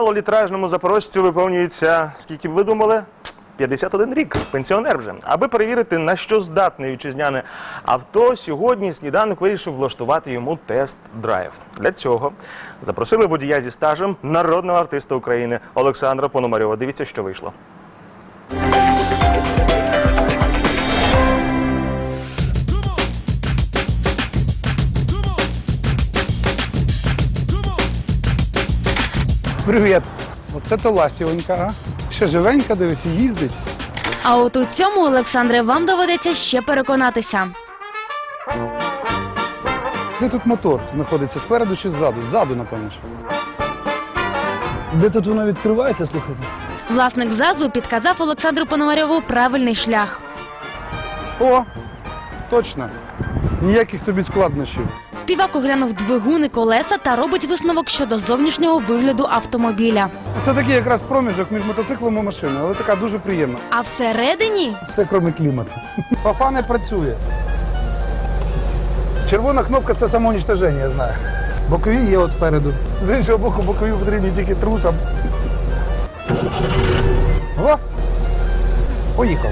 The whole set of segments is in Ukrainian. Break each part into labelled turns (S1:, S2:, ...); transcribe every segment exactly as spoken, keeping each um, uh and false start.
S1: малолітражному запорожцю виповнюється, скільки б ви думали? п'ятдесят один рік, пенсіонер вже. Аби перевірити, на що здатне вітчизняне авто, сьогодні сніданок вирішив влаштувати йому тест-драйв. Для цього запросили водія зі стажем народного артиста України Олександра Пономарьова. Дивіться, що вийшло.
S2: Привіт. Оце то ластівонька, а? Ще живенька, дивись, їздить.
S3: А от у цьому, Олександре, вам доведеться ще переконатися.
S2: Де тут мотор знаходиться, спереду чи ззаду? Ззаду, напевно. Де тут воно відкривається, слухайте?
S3: Власник ЗАЗу підказав Олександру Пономарьову правильний шлях.
S2: О, точно. Ніяких тобі складнощів.
S3: Співак оглянув двигун і колеса та робить висновок щодо зовнішнього вигляду автомобіля.
S2: Це такий якраз проміжок між мотоциклом і машиною, але така дуже приємна.
S3: А всередині
S2: Все, крім клімату. Фафа не працює. Червона кнопка – це самоуничтоження, я знаю. Бокові є от спереду. З іншого боку, бокові потрібні тільки трусам. О! Поїхали.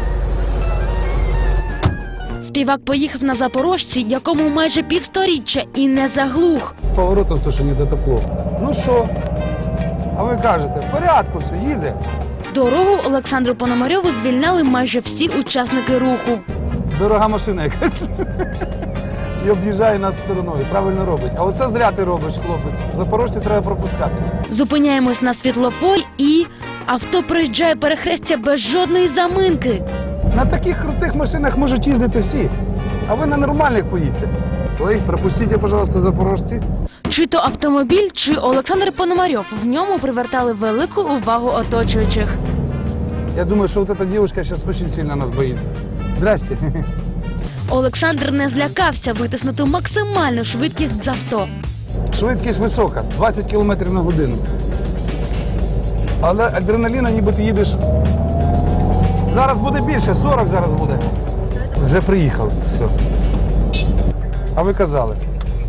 S3: співак поїхав на запорожці, якому майже півсторіччя, і не заглух.
S2: Поворотом то, що не дотепло. Ну що? А ви кажете, в порядку все, їде.
S3: Дорогу Олександру Пономарьову звільняли майже всі учасники руху.
S2: Дорога машина якась. І об'їжджає нас стороною. Правильно робить. А оце зря ти робиш, хлопець. Запорожці треба пропускати.
S3: Зупиняємось на світлофорі і авто проїжджає перехрестя без жодної заминки.
S2: На таких крутих машинах можуть їздити всі. А ви на нормальних поїдьте. Ой, пропустіть, пожалуйста, запорожці.
S3: Чи то автомобіль, чи Олександр Пономарьов в ньому привертали велику увагу оточуючих.
S2: Я думаю, що от ця дівчинка зараз дуже сильно нас боїться. Здрасте.
S3: Олександр не злякався витиснути максимальну швидкість з авто.
S2: Швидкість висока, двадцять кілометрів на годину. Але адреналіна ніби ти їдеш. Зараз буде більше, сорок зараз буде. Вже приїхали, все. А ви казали.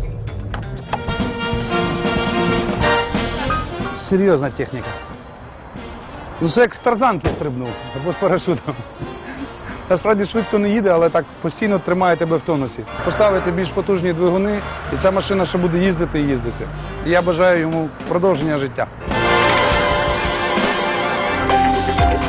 S2: Серйозна техніка. Ну це як з тарзанки стрибнув, або з парашутом. Насправді швидко не їде, але так постійно тримає тебе в тонусі. Поставити більш потужні двигуни, і ця машина ще буде їздити і їздити. І я бажаю йому продовження життя.